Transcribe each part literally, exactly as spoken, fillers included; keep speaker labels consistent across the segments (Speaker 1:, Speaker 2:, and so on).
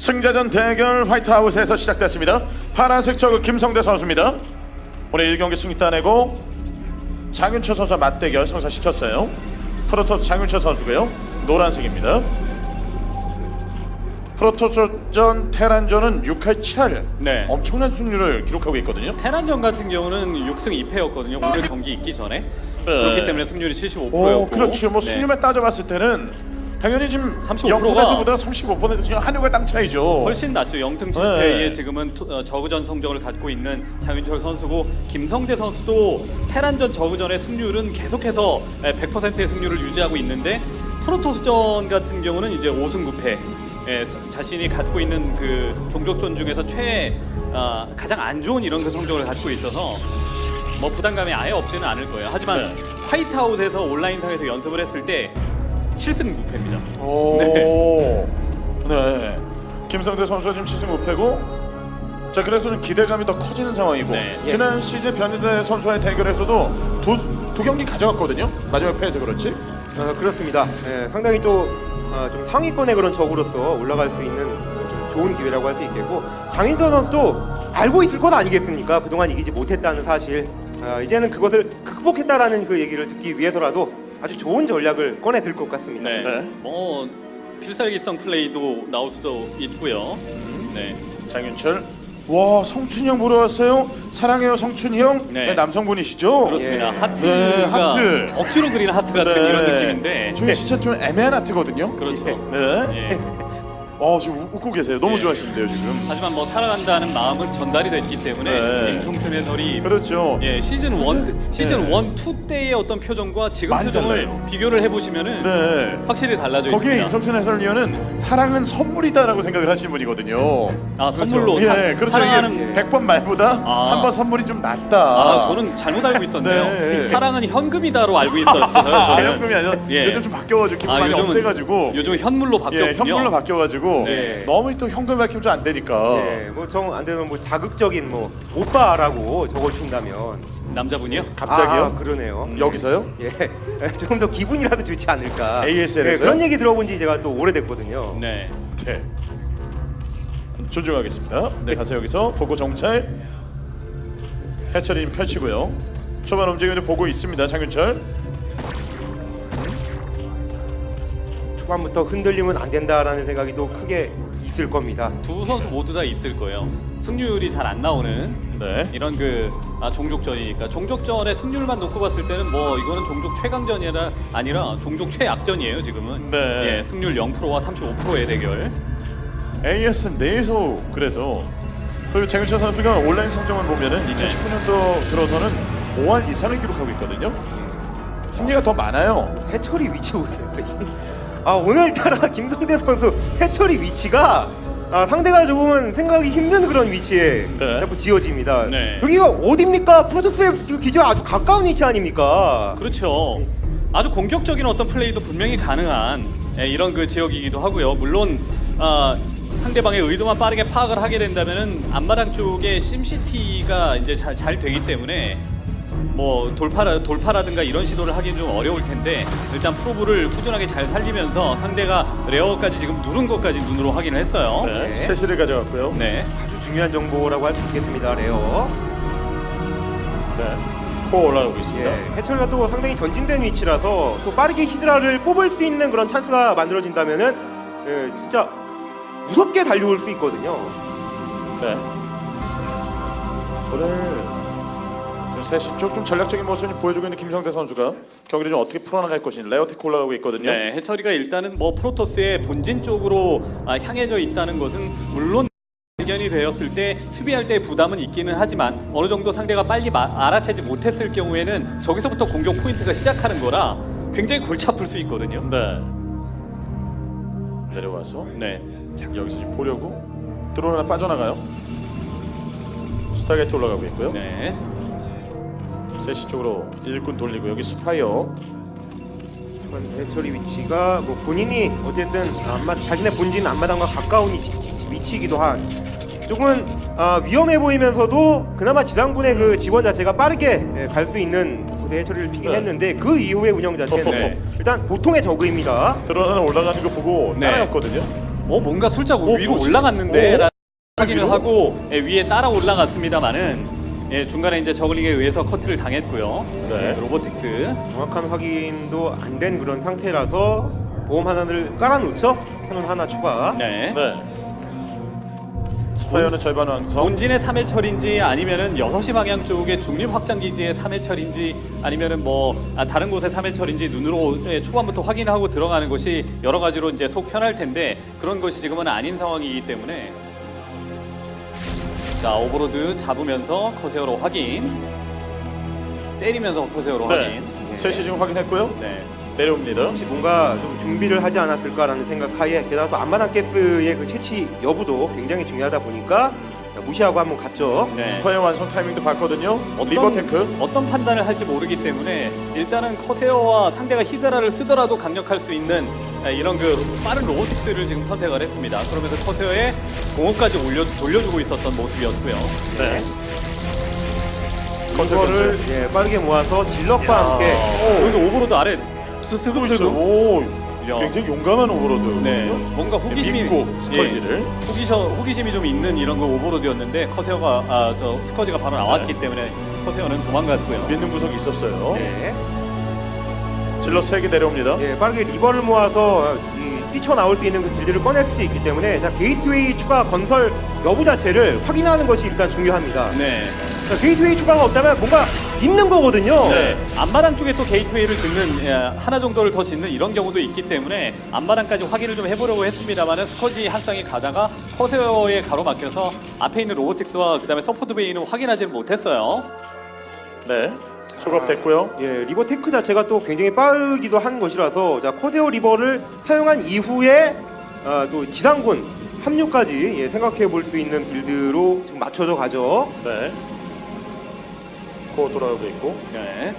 Speaker 1: 승자전 대결 화이트하우스에서 시작됐습니다. 파란색 저그 김성대 선수입니다. 오늘 일 경기 승리 따내고 장윤철 선수와 맞대결 성사시켰어요. 프로토스 장윤철 선수고요. 노란색입니다. 프로토스전 테란전은 육 할 칠 할
Speaker 2: 네.
Speaker 1: 엄청난 승률을 기록하고 있거든요.
Speaker 2: 테란전 같은 경우는 육 승 이 패였거든요. 오늘 경기 있기 전에.
Speaker 1: 네.
Speaker 2: 그렇기 때문에 승률이 칠십오 퍼센트였고.
Speaker 1: 오, 그렇죠. 뭐 승률만 따져봤을 때는 당연히 지금
Speaker 2: 삼십오 퍼센트가
Speaker 1: 영 퍼센트보다 삼십오 퍼센트 지금 한율과 땅 차이죠.
Speaker 2: 훨씬 낫죠. 영 승 칠 패에 네. 지금은 토, 어, 저그전 성적을 갖고 있는 장윤철 선수고, 김성대 선수도 테란전 저그전의 승률은 계속해서 백 퍼센트의 승률을 유지하고 있는데, 프로토스전 같은 경우는 이제 오 승 구 패. 예, 자신이 갖고 있는 그 종족전 중에서 최 어, 가장 안 좋은 이런 그 성적을 갖고 있어서 뭐 부담감이 아예 없지는 않을 거예요. 하지만
Speaker 1: 네.
Speaker 2: 화이트하우스에서 온라인상에서 연습을 했을 때 칠 승 구 패입니다.
Speaker 1: 오, 네. 네. 김성대 선수가 지금 칠 승 오 패고, 자 그래서 좀 기대감이 더 커지는 상황이고,
Speaker 2: 네.
Speaker 1: 지난 시즌 변희대 선수와의 대결에서도 두, 두 경기 가져갔거든요. 마지막 패해서 그렇지.
Speaker 3: 어, 그렇습니다. 예, 상당히 또 어, 좀 상위권의 그런 적으로서 올라갈 수 있는 좀 좋은 기회라고 할 수 있겠고, 장윤철 선수도 알고 있을 것 아니겠습니까? 그동안 이기지 못했다는 사실. 어, 이제는 그것을 극복했다라는 그 얘기를 듣기 위해서라도 아주 좋은 전략을 꺼내 들 것 같습니다.
Speaker 2: 네.
Speaker 1: 네.
Speaker 2: 뭐 필살기성 플레이도 나올 수도 있고요. 네.
Speaker 1: 장윤철. 와, 성춘이 형 보러 왔어요. 사랑해요 성춘이 형.
Speaker 2: 네.
Speaker 1: 네, 남성분이시죠?
Speaker 2: 그렇습니다.
Speaker 3: 예.
Speaker 2: 하트가
Speaker 1: 네, 하트.
Speaker 2: 억지로 그리는 하트 같은
Speaker 1: 네.
Speaker 2: 이런 느낌인데.
Speaker 1: 저희 진짜 좀 애매한 하트거든요.
Speaker 2: 그렇죠.
Speaker 1: 네.
Speaker 2: 예.
Speaker 1: 어, 지금 웃- 웃고 계세요. 너무
Speaker 2: 예.
Speaker 1: 좋아하시는데요 지금.
Speaker 2: 하지만 뭐 살아간다는 마음은 전달이 됐기 때문에
Speaker 1: 네.
Speaker 2: 김성춘 해설이
Speaker 1: 그렇죠.
Speaker 2: 예, 시즌 일,
Speaker 1: 그렇죠.
Speaker 2: 시즌
Speaker 1: 네.
Speaker 2: 일, 이 때의 어떤 표정과 지금
Speaker 1: 많이
Speaker 2: 표정을
Speaker 1: 달라요.
Speaker 2: 비교를 해보시면은
Speaker 1: 네.
Speaker 2: 확실히 달라져
Speaker 1: 거기에
Speaker 2: 있습니다.
Speaker 1: 임성춘 해설위원은 사랑은 선물이다라고 생각을 하시는 분이거든요.
Speaker 2: 아, 선물로
Speaker 1: 예,
Speaker 2: 사-
Speaker 1: 그렇죠.
Speaker 2: 사랑하는
Speaker 1: 백 번 말보다
Speaker 2: 아.
Speaker 1: 한 번 선물이 좀 낫다.
Speaker 2: 아, 저는 잘못 알고 있었네요.
Speaker 1: 네.
Speaker 2: 사랑은 현금이다로 알고 있었어요.
Speaker 1: 아,
Speaker 2: 저는.
Speaker 1: 현금이 아니라
Speaker 2: 예.
Speaker 1: 요즘 좀 바뀌어가지고 기분
Speaker 2: 아,
Speaker 1: 많이
Speaker 2: 요즘은
Speaker 1: 업돼가지고
Speaker 2: 요즘 현물로 바뀌었군요.
Speaker 1: 예, 현물로 바뀌어가지고
Speaker 2: 네.
Speaker 1: 너무 또 현금 밝히면 좀 안 되니까.
Speaker 3: 예, 뭐정 안 되면 뭐 자극적인 뭐 오빠라고 적어주신다면
Speaker 2: 남자분이요?
Speaker 1: 갑자기요?
Speaker 3: 아, 그러네요.
Speaker 1: 음, 여기서요?
Speaker 3: 예, 조금 더 기분이라도 좋지 않을까.
Speaker 1: 에이에스엘에서요?
Speaker 3: 예, 그런 얘기 들어본 지 제가 또 오래됐거든요.
Speaker 2: 네.
Speaker 1: 네. 존중하겠습니다. 네, 가서 여기서 보고 정찰 해철이 펼치고요. 초반 움직임을 보고 있습니다. 장윤철.
Speaker 3: 초반부터 흔들리면 안 된다라는 생각이 또 크게 있을 겁니다.
Speaker 2: 두 선수 모두 다 있을 거예요. 승률이 잘 안 나오는
Speaker 1: 네.
Speaker 2: 이런 그 아, 종족전이니까 종족전의 승률만 놓고 봤을 때는 뭐 이거는 종족 최강전이라 아니라 종족 최약전이에요 지금은.
Speaker 1: 네.
Speaker 2: 예, 승률 영 퍼센트와 삼십오 퍼센트의 대결.
Speaker 1: 에이에스 내에서 그래서 그리고 장윤철 선수가 온라인 성적만 보면은 이천십구 년도 들어서는 오 할 이상을 기록하고 있거든요. 승리가 더 많아요.
Speaker 3: 해철이 위치 보세요. 아, 오늘따라 김성대 선수 해철이 위치가 아, 상대가 조금은 생각이 힘든 그런 위치에
Speaker 1: 네.
Speaker 3: 자꾸 지어집니다.
Speaker 2: 네.
Speaker 3: 여기가 어딥니까? 프로토스의 그 기저 아주 가까운 위치 아닙니까?
Speaker 2: 그렇죠. 아주 공격적인 어떤 플레이도 분명히 가능한 예, 이런 그 지역이기도 하고요. 물론 아, 상대방의 의도만 빠르게 파악을 하게 된다면은 앞마당 쪽에 심시티가 이제 잘, 잘 되기 때문에 뭐 돌파라, 돌파라든가 이런 시도를 하기는 좀 어려울 텐데, 일단 프로브를 꾸준하게 잘 살리면서 상대가 레어까지 지금 누른 것까지 눈으로 확인을 했어요.
Speaker 1: 네.
Speaker 3: 네.
Speaker 1: 세시를 가져갔고요.
Speaker 2: 네.
Speaker 3: 아주 중요한 정보라고 할 수 있겠습니다. 레어.
Speaker 1: 네. 코어 올라가고 있습니다.
Speaker 3: 예, 해철이가 또 상당히 전진된 위치라서 또 빠르게 히드라를 뽑을 수 있는 그런 찬스가 만들어진다면은 예, 진짜 무섭게 달려올 수 있거든요.
Speaker 1: 네. 오늘 좀 셋이 쪽 좀 전략적인 모습을 보여주고 있는 김성대 선수가 경기를 좀 어떻게 풀어나갈 것인지 레어테크 올라가고 있거든요.
Speaker 2: 네, 해철이가 일단은 뭐 프로토스의 본진 쪽으로 아, 향해져 있다는 것은 물론 발견이 되었을 때 수비할 때 부담은 있기는 하지만 어느 정도 상대가 빨리 마, 알아채지 못했을 경우에는 저기서부터 공격 포인트가 시작하는 거라 굉장히 골치 아플 수 있거든요.
Speaker 1: 네. 내려와서
Speaker 2: 네.
Speaker 1: 자, 여기서 지금 보려고 드론 하나 빠져나가요. 스타게이트 올라가고 있고요.
Speaker 2: 네.
Speaker 1: 세시 쪽으로 일꾼 돌리고 여기 스파이어.
Speaker 3: 이번 해철이 위치가 뭐 본인이 어쨌든 앞마, 자신의 본진 앞마당과 가까운 위치, 위치이기도 한 조금은 아, 위험해 보이면서도 그나마 지상군의 그 지원 자체가 빠르게 예, 갈 수 있는 곳에 해처리를 피긴
Speaker 1: 네.
Speaker 3: 했는데 그 이후의 운영 자체는
Speaker 2: 네.
Speaker 3: 일단 보통의 저그입니다.
Speaker 1: 드론 하나 올라가는 거 보고
Speaker 2: 네.
Speaker 1: 따라갔거든요.
Speaker 2: 어 뭔가 술자고
Speaker 1: 어,
Speaker 2: 위로
Speaker 1: 뭐지?
Speaker 2: 올라갔는데
Speaker 1: 어?
Speaker 2: 라는 확인을
Speaker 1: 위로?
Speaker 2: 하고 예, 위에 따라 올라갔습니다만은 예, 중간에 이제 저글링에 의해서 커트를 당했고요.
Speaker 1: 네.
Speaker 2: 로보틱스.
Speaker 3: 정확한 확인도 안 된 그런 상태라서 보험 하나를 깔아놓죠. 캐논 하나 추가.
Speaker 2: 네.
Speaker 1: 네. 스파이어는 절반 완성.
Speaker 2: 본진의 삼 회철인지 아니면은 여섯 시 방향 쪽의 중립 확장 기지의 삼 회철인지 아니면은 뭐 아, 다른 곳의 삼 회철인지 눈으로 예, 초반부터 확인하고 들어가는 것이 여러 가지로 이제 속 편할 텐데 그런 것이 지금은 아닌 상황이기 때문에 자 오버로드 잡으면서 커세어로 확인 때리면서 커세어로
Speaker 1: 네.
Speaker 2: 확인
Speaker 1: 셋이 지금 확인했고요.
Speaker 2: 네.
Speaker 1: 내려옵니다.
Speaker 3: 혹시 뭔가 좀 준비를 하지 않았을까라는 생각하에 게다가 또 안마당 가스의 그 채취 여부도 굉장히 중요하다 보니까 무시하고 한번 갔죠.
Speaker 2: 네.
Speaker 1: 스파이어 완성 타이밍도 봤거든요.
Speaker 2: 어떤,
Speaker 1: 리버테크.
Speaker 2: 어떤 판단을 할지 모르기 때문에 일단은 커세어와 상대가 히드라를 쓰더라도 강력할 수 있는 이런 그 빠른 로보틱스를 지금 선택을 했습니다. 그러면서 커세어에 공업까지 올려, 돌려주고 있었던 모습이었고요.
Speaker 1: 네.
Speaker 3: 이거를 예, 빠르게 모아서 질럿과
Speaker 1: 야.
Speaker 3: 함께
Speaker 2: 오, 여기 오버로드 아래
Speaker 1: 쓰고 있어요.
Speaker 2: 스스로
Speaker 1: 오,
Speaker 2: 야.
Speaker 1: 굉장히 용감한 오버로드.
Speaker 2: 네, 뭔가 호기심이
Speaker 1: 믿고 스컬지를.
Speaker 2: 예, 호기셔, 호기심이 좀 있는 이런 거 오버로드였는데 커세어가 아, 저 스커지가 바로 나왔기
Speaker 1: 네.
Speaker 2: 때문에 커세어는 도망갔고요.
Speaker 1: 믿는 구석이 있었어요.
Speaker 3: 네.
Speaker 1: 질러 세 개 내려옵니다.
Speaker 3: 예, 빠르게 리버를 모아서 이, 뛰쳐나올 수 있는 그 길들을 꺼낼 수도 있기 때문에 자 게이트웨이 추가 건설 여부 자체를 확인하는 것이 일단 중요합니다.
Speaker 2: 네.
Speaker 3: 자, 게이트웨이 추가가 없다면 뭔가 있는 거거든요.
Speaker 2: 네. 앞마당 쪽에 또 게이트웨이를 짓는 예, 하나 정도를 더 짓는 이런 경우도 있기 때문에 앞마당까지 확인을 좀 해보려고 했습니다만은 스커지 한 쌍이 가다가 커세어에 가로막혀서 앞에 있는 로보틱스와 그다음에 서포트 베이는 확인하지는 못했어요.
Speaker 1: 네. 소급됐고요.
Speaker 3: 예, 리버 테크 자체가 또 굉장히 빠르기도 한 것이라서 자 코세오 리버를 사용한 이후에 아, 또 지상군 합류까지 예, 생각해 볼 수 있는 빌드로 지금 맞춰져 가죠.
Speaker 1: 네. 코 돌아오고 있고
Speaker 2: 네.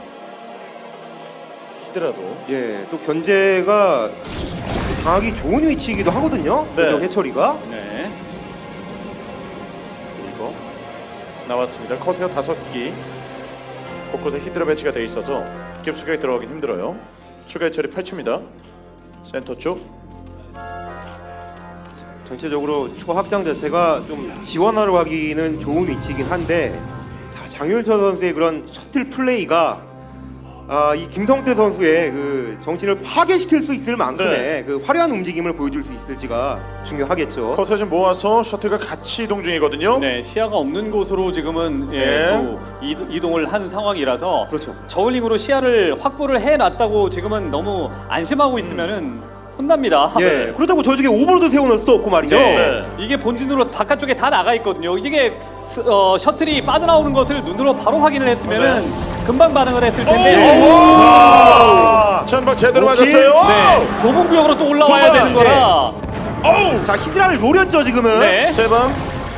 Speaker 1: 히드라도.
Speaker 3: 예, 또 견제가 강하기 좋은 위치이기도 하거든요.
Speaker 1: 네.
Speaker 3: 네. 해처리가.
Speaker 2: 네.
Speaker 1: 그리고 나왔습니다. 커세어 다섯 기. 곳곳에 히드라 배치가 돼 있어서 깊숙하게 들어가긴 힘들어요. 추가 해처리 펼칩니다. 센터 쪽.
Speaker 3: 전체적으로 추가 확장 자체가 좀 지원하러 가기는 좋은 위치이긴 한데 자, 장윤철 선수의 그런 셔틀 플레이가 아, 이 김성태 선수의 그 정신을 파괴시킬 수 있을 만큼의
Speaker 1: 네.
Speaker 3: 그 화려한 움직임을 보여줄 수 있을지가 중요하겠죠.
Speaker 1: 커세어 좀 모아서 셔틀과 같이 이동 중이거든요.
Speaker 2: 네, 시야가 없는 곳으로 지금은 예,
Speaker 1: 네.
Speaker 2: 또 이동, 이동을 한 상황이라서
Speaker 3: 그렇죠.
Speaker 2: 저울링으로 시야를 확보를 해놨다고 지금은 너무 안심하고 있으면은 혼납니다.
Speaker 3: 예, 그렇다고 저쪽에 오버로드 세워놓을 수도 없고 말이죠.
Speaker 2: 네.
Speaker 1: 네.
Speaker 2: 이게 본진으로 바깥쪽에 다 나가 있거든요. 이게 스, 어, 셔틀이 빠져나오는 것을 눈으로 바로 확인을 했으면은 금방 반응을 했을 텐데.
Speaker 1: 오! 전방 제대로
Speaker 3: 오케이.
Speaker 1: 맞았어요.
Speaker 2: 네, 좁은 구역으로 또 올라와야
Speaker 1: 도발.
Speaker 2: 되는 거라.
Speaker 1: 어우!
Speaker 3: 자, 히드라를 노렸죠 지금은.
Speaker 2: 네.
Speaker 1: 세 방.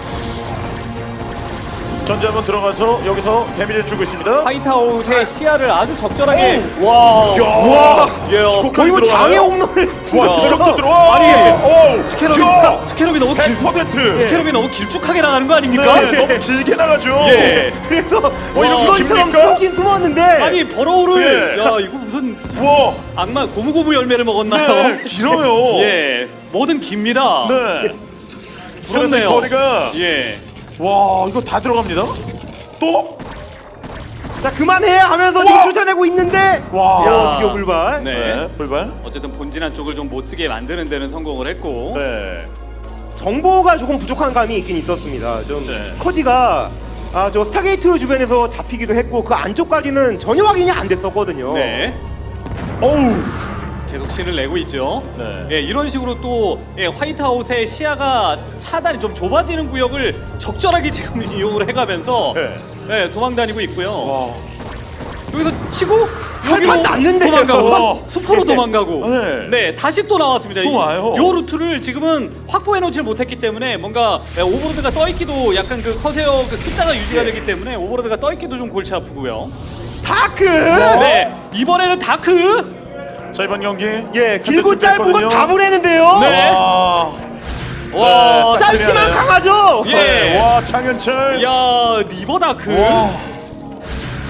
Speaker 1: 전제 한번 들어가서 여기서 데미지를 주고 있습니다.
Speaker 2: 화이트아웃의 시야를 아주 적절하게.
Speaker 1: 와! 야! 와!
Speaker 2: 예,
Speaker 3: 거의 뭐 장애 홈런을
Speaker 1: 와,
Speaker 2: 야.
Speaker 1: 지금도 들어와.
Speaker 2: 아니,
Speaker 1: 오!
Speaker 2: 스캐럽이,
Speaker 1: 야!
Speaker 2: 스캐럽이 너무 길,
Speaker 1: 백 퍼센트.
Speaker 2: 스캐럽이 너무 길쭉하게 나가는 거 아닙니까?
Speaker 1: 네, 너무 길게 나가죠.
Speaker 2: 예.
Speaker 3: 그래서
Speaker 1: 뭐 이렇게
Speaker 3: 이것처럼
Speaker 1: 깁니까?
Speaker 3: 숨긴 숨었는데.
Speaker 2: 아니 버러우를
Speaker 1: 예.
Speaker 2: 야 이거 무슨
Speaker 1: 와!
Speaker 2: 악마 고무고무 열매를 먹었나요?
Speaker 1: 네, 길어요.
Speaker 2: 예, 뭐든 깁니다.
Speaker 1: 네. 그래서 이
Speaker 2: 부럽네요.
Speaker 1: 거리가
Speaker 2: 예.
Speaker 1: 와, 이거 다 들어갑니다. 또?
Speaker 3: 자 그만해 하면서
Speaker 1: 와!
Speaker 3: 지금 쫓아내고 있는데.
Speaker 1: 와.
Speaker 3: 야, 드디어 불발.
Speaker 2: 네.
Speaker 1: 네, 불발.
Speaker 2: 어쨌든 본진한 쪽을 좀 못 쓰게 만드는 데는 성공을 했고.
Speaker 1: 네.
Speaker 3: 정보가 조금 부족한 감이 있긴 있었습니다. 좀
Speaker 1: 네.
Speaker 3: 스커지가 아, 저 스타게이트 주변에서 잡히기도 했고 그 안쪽까지는 전혀 확인이 안 됐었거든요.
Speaker 2: 네.
Speaker 1: 어우.
Speaker 2: 계속 신을 내고 있죠.
Speaker 1: 네.
Speaker 2: 예, 이런 식으로 또 예, 화이트아웃의 시야가 차단이 좀 좁아지는 구역을 적절하게 지금 이용을 해가면서
Speaker 1: 네.
Speaker 2: 예, 도망 다니고 있고요.
Speaker 1: 와.
Speaker 2: 여기서 치고 여기로
Speaker 3: 살판 났는데요.
Speaker 2: 도망가고
Speaker 1: 와.
Speaker 2: 숲- 숲으로 도망가고
Speaker 1: 네.
Speaker 2: 네 다시 또 나왔습니다.
Speaker 1: 또
Speaker 2: 이-
Speaker 1: 와요.
Speaker 2: 요 루트를 지금은 확보해 놓지 못했기 때문에 뭔가 예, 오버로드가 떠있기도 약간 그 커세어 그 숫자가 유지가 되기 때문에 오버로드가 떠있기도 좀 골치 아프고요.
Speaker 3: 다크.
Speaker 2: 네 이번에는 다크
Speaker 1: 자, 이번 경기.
Speaker 3: 예, 길고
Speaker 1: 좀
Speaker 3: 짧은 건
Speaker 1: 됐거든요.
Speaker 3: 다 보내는데요.
Speaker 2: 네.
Speaker 1: 와.
Speaker 2: 와
Speaker 1: 네,
Speaker 3: 짧지만
Speaker 1: 싹쓸이하네요.
Speaker 3: 강하죠.
Speaker 2: 예.
Speaker 1: 네. 와, 장윤철.
Speaker 2: 야 리버 다크
Speaker 1: 와.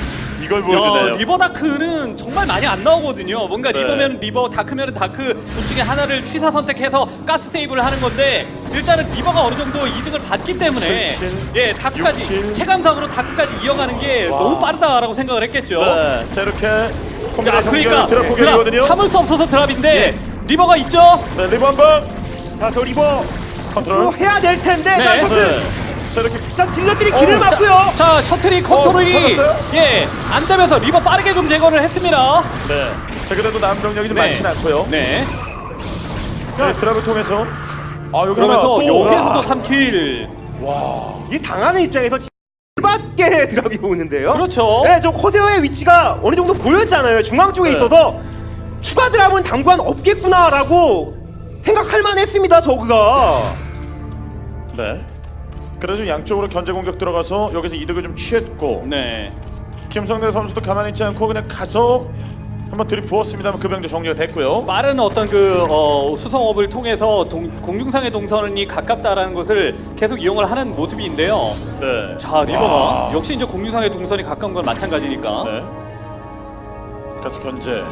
Speaker 1: 이걸 보여주네요.
Speaker 2: 야, 리버 다크는 정말 많이 안 나오거든요. 뭔가
Speaker 1: 네.
Speaker 2: 리버면 리버, 다크면 다크 둘 중에 하나를 취사 선택해서 가스 세이브를 하는 건데 일단은 리버가 어느 정도 이득을 받기 때문에
Speaker 1: 칠 킬,
Speaker 2: 예 다크까지
Speaker 1: 육 킬.
Speaker 2: 체감상으로 다크까지 이어가는 게
Speaker 1: 와.
Speaker 2: 너무 빠르다라고 생각을 했겠죠.
Speaker 1: 네. 자 이렇게
Speaker 2: 자,
Speaker 1: 콤비네이션
Speaker 2: 그러니까
Speaker 1: 드랍
Speaker 2: 드랍
Speaker 1: 공격이거든요.
Speaker 2: 참을 수 없어서 드랍인데
Speaker 3: 예.
Speaker 2: 리버가 있죠.
Speaker 1: 네, 리버 한번
Speaker 3: 자, 저 리버
Speaker 1: 컨트롤.
Speaker 3: 또 해야 될 텐데.
Speaker 2: 네.
Speaker 3: 자, 셔틀.
Speaker 1: 네. 자 이렇게
Speaker 3: 자, 질럿들이 길을
Speaker 1: 어,
Speaker 3: 막고요.
Speaker 2: 자 셔틀이 컨트롤이
Speaker 1: 찾았어요?
Speaker 2: 예 안 되면서 리버 빠르게 좀 제거를 했습니다.
Speaker 1: 네. 자 그래도 남 병력이 좀
Speaker 2: 네.
Speaker 1: 많지는 않고요.
Speaker 2: 네.
Speaker 1: 네, 드랍을 통해서 아 여기
Speaker 2: 그러면서
Speaker 1: 하나 또
Speaker 2: 여기에서도
Speaker 1: 와.
Speaker 2: 삼 킬.
Speaker 1: 와.
Speaker 3: 이 당하는 입장에서 밖에 드랍이 오는데요.
Speaker 2: 그렇죠.
Speaker 3: 네, 저 코세오의 위치가 어느 정도 보였잖아요. 중앙 쪽에
Speaker 1: 네.
Speaker 3: 있어서 추가 드랍은 당분간 없겠구나라고 생각할 만했습니다. 저그가.
Speaker 1: 네. 그래서 양쪽으로 견제 공격 들어가서 여기서 이득을 좀 취했고
Speaker 2: 네.
Speaker 1: 김성대 선수도 가만히 있지 않고 그냥 가서 한번 들이부었습니다만 그 병제 정리가 됐고요.
Speaker 2: 빠른 어떤 그 어, 수성업을 통해서 동, 공중상의 동선이 가깝다라는 것을 계속 이용을 하는 모습인데요.
Speaker 1: 네.
Speaker 2: 자 리버가
Speaker 1: 와.
Speaker 2: 역시 이제 공중상의 동선이 가까운 건 마찬가지니까.
Speaker 1: 네. 그래서 견제.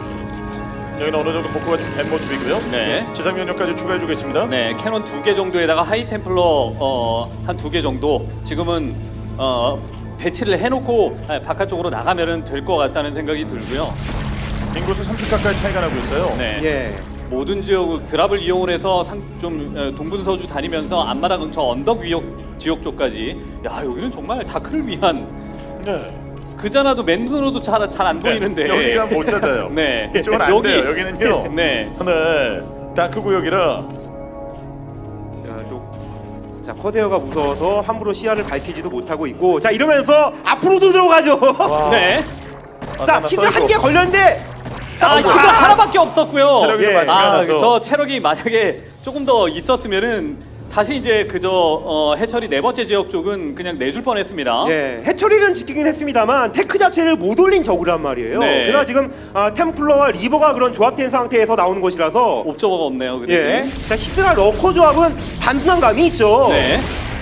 Speaker 1: 여기는 어느 정도 복구가 좀 된 모습이고요.
Speaker 2: 네.
Speaker 1: 지상 면역까지 추가해주고 있습니다.
Speaker 2: 네, 캐논 두 개 정도에다가 하이 템플러 어, 한 두 개 정도 지금은 어, 배치를 해놓고 아, 바깥쪽으로 나가면은 될 것 같다는 생각이 들고요.
Speaker 1: 인구수 삼십 가까이 차이가 나고 있어요.
Speaker 2: 네.
Speaker 3: 예.
Speaker 2: 모든 지역 드랍을 이용을 해서 상, 좀 어, 동분서주 다니면서 앞마당 근처 언덕 위역 지역 쪽까지 야 여기는 정말 다크를 위한
Speaker 1: 네.
Speaker 2: 그자나도 맨눈으로도 잘 잘 안 보이는데
Speaker 1: 여기가 못 찾아요.
Speaker 2: 네.
Speaker 1: 이쪽은 안
Speaker 2: 여기-
Speaker 1: 돼요. 여기는요.
Speaker 2: 네.
Speaker 1: 네. 다크 구역이라.
Speaker 3: 자, 또, 자, 코세오가 무서워서 함부로 시야를 밝히지도 못하고 있고, 자, 이러면서 앞으로도 들어가죠.
Speaker 1: 와.
Speaker 2: 네.
Speaker 3: 자,
Speaker 1: 하나
Speaker 3: 히드
Speaker 1: 썰고.
Speaker 3: 한 개 걸렸는데,
Speaker 2: 아, 이거 하나밖에 없었고요.
Speaker 1: 체력이
Speaker 3: 예.
Speaker 1: 많지가
Speaker 2: 아,
Speaker 1: 않아서.
Speaker 2: 저 체력이 만약에 조금 더 있었으면은 다시 이제 그저 어, 해철이 네 번째 지역 쪽은 그냥 내줄 뻔했습니다.
Speaker 3: 예, 해처리는 지키긴 했습니다만 테크 자체를 못 올린 저구란 말이에요.
Speaker 2: 네.
Speaker 3: 그래서 지금 아, 템플러와 리버가 그런 조합된 상태에서 나오는 것이라서
Speaker 2: 옵저버가 없네요. 그
Speaker 3: 예,
Speaker 2: 대신.
Speaker 3: 자 히드라 러커 조합은 단순한 감이 있죠.
Speaker 2: 네.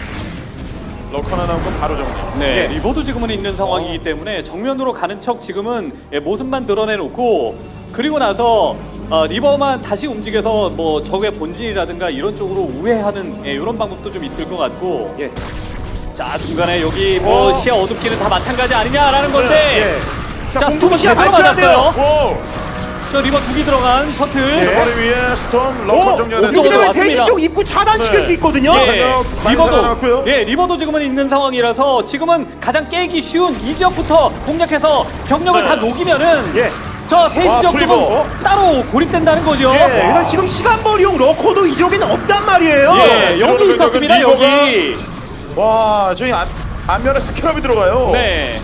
Speaker 1: 럭커 하나 나오고 바로 정리.
Speaker 2: 네.
Speaker 3: 예.
Speaker 2: 리버도 지금은 있는 상황이기 때문에 정면으로 가는 척 지금은 예, 모습만 드러내놓고 그리고 나서 어, 리버만 다시 움직여서 뭐 적의 본진이라든가 이런 쪽으로 우회하는 예, 이런 방법도 좀 있을 것 같고.
Speaker 3: 예,
Speaker 2: 자 중간에 여기 뭐
Speaker 3: 어.
Speaker 2: 시야 어둡기는 다 마찬가지 아니냐라는 건데.
Speaker 3: 예.
Speaker 2: 자,
Speaker 3: 공중
Speaker 2: 스톰은
Speaker 3: 시야
Speaker 2: 제대로
Speaker 3: 밝혀야 돼요.
Speaker 2: 맞았어요.
Speaker 1: 오!
Speaker 2: 저 리버 두 개 들어간 셔틀.
Speaker 3: 네.
Speaker 1: 머리 위에 스톰 럭커
Speaker 3: 어,
Speaker 1: 정리가
Speaker 2: 옥저버도
Speaker 3: 이렇게 되면
Speaker 1: 됐습니다.
Speaker 2: 왔습니다.
Speaker 3: 세시 쪽 입구 차단시킬
Speaker 1: 네.
Speaker 3: 수 있거든요.
Speaker 2: 예,
Speaker 1: 병력 많이
Speaker 2: 리버도
Speaker 1: 살아났고요.
Speaker 2: 예, 리버도 지금은 있는 상황이라서 지금은 가장 깨기 쉬운 이 지역부터 공략해서 병력을
Speaker 1: 네.
Speaker 2: 다 녹이면은
Speaker 3: 예.
Speaker 2: 저 세
Speaker 1: 와,
Speaker 2: 지역
Speaker 1: 프리버.
Speaker 2: 쪽은 따로 고립된다는 거죠.
Speaker 3: 예, 그래서 지금 시간벌이용 러커도 이 지역에는 없단 말이에요.
Speaker 2: 예, 여기
Speaker 1: 들어오는
Speaker 2: 있었습니다.
Speaker 1: 리버가-
Speaker 2: 여기.
Speaker 1: 와, 저희 안, 안면에 스캐럽이 들어가요.
Speaker 2: 네.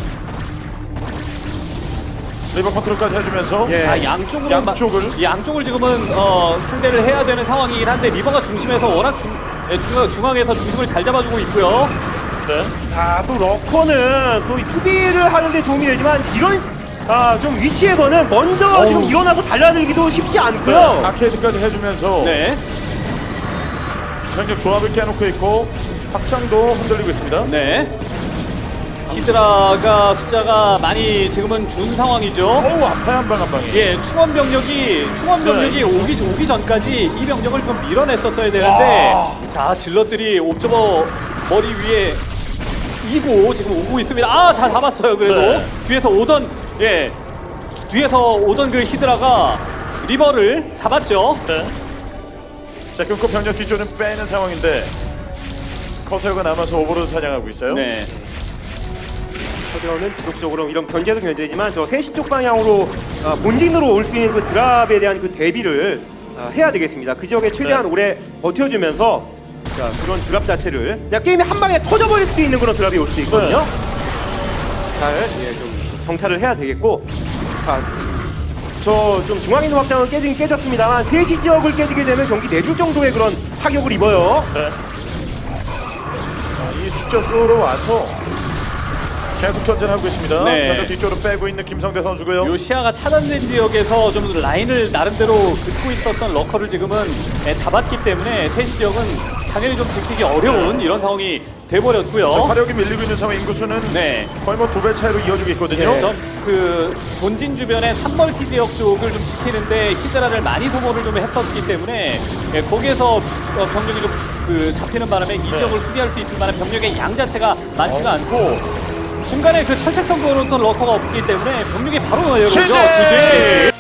Speaker 1: 리버 컨트롤까지 해주면서.
Speaker 3: 예.
Speaker 2: 자, 양쪽으로
Speaker 1: 양쪽을.
Speaker 2: 마- 양쪽을 지금은 어, 상대를 해야 되는 상황이긴 한데 리버가 중심에서 워낙 중, 예, 중앙, 중앙에서 중심을 잘 잡아주고 있고요.
Speaker 1: 네.
Speaker 3: 자, 또 러커는 또 수비를 하는데 도움이 되지만 이런 아, 좀 위치에서는 먼저
Speaker 2: 어우.
Speaker 3: 지금 일어나서 달려들기도 쉽지
Speaker 1: 네.
Speaker 3: 않고요.
Speaker 1: 아케이드까지 해주면서.
Speaker 2: 네.
Speaker 1: 굉장히 조합을 깨놓고 있고 확장도 흔들리고 있습니다.
Speaker 2: 네. 히드라가 숫자가 많이 지금은 준 상황이죠.
Speaker 1: 어우, 앞에 한 방 한 방이.
Speaker 2: 예, 충원 병력이 충원 병력이
Speaker 1: 네.
Speaker 2: 오기 오기 전까지 이 병력을 좀 밀어냈었어야 되는데,
Speaker 1: 와.
Speaker 2: 자 질럿들이 옵저버 머리 위에 이고 지금 오고 있습니다. 아, 잘 잡았어요. 그래도
Speaker 1: 네.
Speaker 2: 뒤에서 오던 예 뒤에서 오던 그 히드라가 리버를 잡았죠.
Speaker 1: 네. 자, 끊고 병력 뒤쪽은 빼는 상황인데 커세어가 남아서 오버로드 사냥하고 있어요.
Speaker 2: 네.
Speaker 3: 서대원은 지속적으로 이런 견제도 견제지만 저 세시 쪽 방향으로 아, 본진으로 올 수 있는 그 드랍에 대한 그 대비를 아, 해야 되겠습니다. 그 지역에 최대한
Speaker 1: 네.
Speaker 3: 오래 버텨주면서 자, 그런 드랍 자체를 그냥 게임이 한 방에 터져버릴 수 있는 그런 드랍이 올 수 있거든요.
Speaker 1: 네.
Speaker 3: 잘 예, 좀 정찰을 해야 되겠고, 자, 저 좀 중앙 있는 확장은 깨지긴 깨졌습니다만 세시 지역을 깨지게 되면 경기 내줄 정도의 그런 타격을 입어요.
Speaker 1: 네. 자, 이 숫자 수로 와서 계속 견제하고 있습니다.
Speaker 2: 네.
Speaker 1: 먼저 뒤쪽으로 빼고 있는 김성대 선수고요.
Speaker 2: 요 시야가 차단된 지역에서 좀 라인을 나름대로 긋고 있었던 러커를 지금은 예, 잡았기 때문에 세시 지역은 당연히 좀 지키기 어려운 이런 상황이 돼버렸고요.
Speaker 1: 자, 화력이 밀리고 있는 상황 인구수는
Speaker 2: 네.
Speaker 1: 거의 뭐 두 배 차이로 이어지고 있거든요.
Speaker 2: 네, 그 본진 주변의 삼멀티 지역 쪽을 좀 지키는데 히드라를 많이 소모를 좀 했었기 때문에 예, 거기에서 어, 병력이 좀 그 잡히는 바람에 이 지역을 수비할 수 있을 만한 병력의 양 자체가 많지가
Speaker 1: 어.
Speaker 2: 않고 중간에 그 철책선 그어놓던 러커가 없기 때문에 병력이 바로 나요.
Speaker 1: 취재!
Speaker 2: 지지!